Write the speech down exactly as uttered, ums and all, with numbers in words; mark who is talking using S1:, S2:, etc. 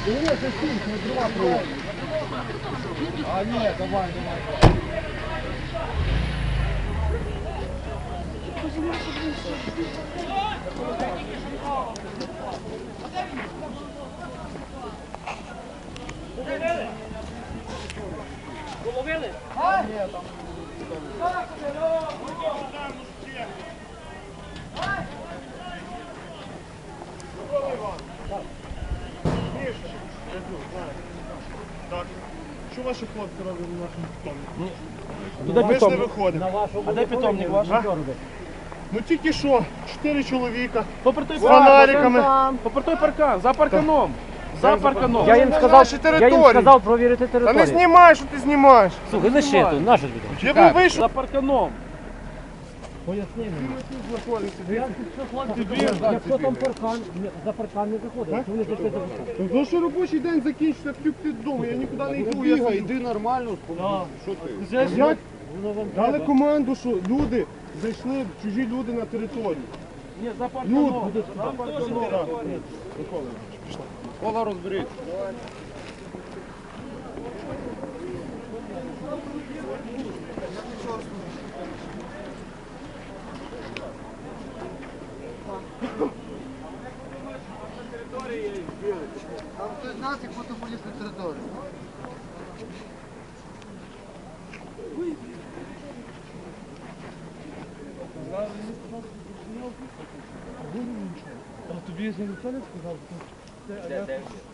S1: Ні, це стінь, не дрова проводить. А, ні, давай, давай.
S2: Половили?
S1: Ні, там.
S3: Так. Що ваші хлопці роблять на нашому питомнику?
S4: Туди
S3: Ми ж не
S4: питомник.
S3: виходимо.
S4: А де питомник ваш?
S3: А? Ну тільки що, чотири чоловіка
S4: Попри той
S3: з фонариками.
S4: Попри той паркан, за парканом. За парканом.
S5: Я їм
S3: на
S5: сказав,
S3: нашій
S5: я їм
S3: території.
S5: сказав провірити
S3: Та не
S5: територію.
S3: знімай, що ти знімаєш.
S5: Слухай, лише тут, наше тобі.
S3: Я був вийшов.
S4: За парканом.
S5: Поясни мені.
S3: Тобі.
S5: Якщо там паркан, за паркан не заходить, то вони зайшли за паркан.
S3: Ну що робочий день закінчиться, п'ю ти додому, я нікуди не йду. Я
S1: Бігай,
S3: йди.
S1: йди нормально, що ти?
S3: Я дали команду, що люди зайшли, чужі люди на територію.
S4: Ні, за парканом.
S3: Люди.
S4: Там теж територія.
S1: Кола розберіть. Там хтось з нас, як будто поліз на територію.
S4: Тобі ніхто не сказав?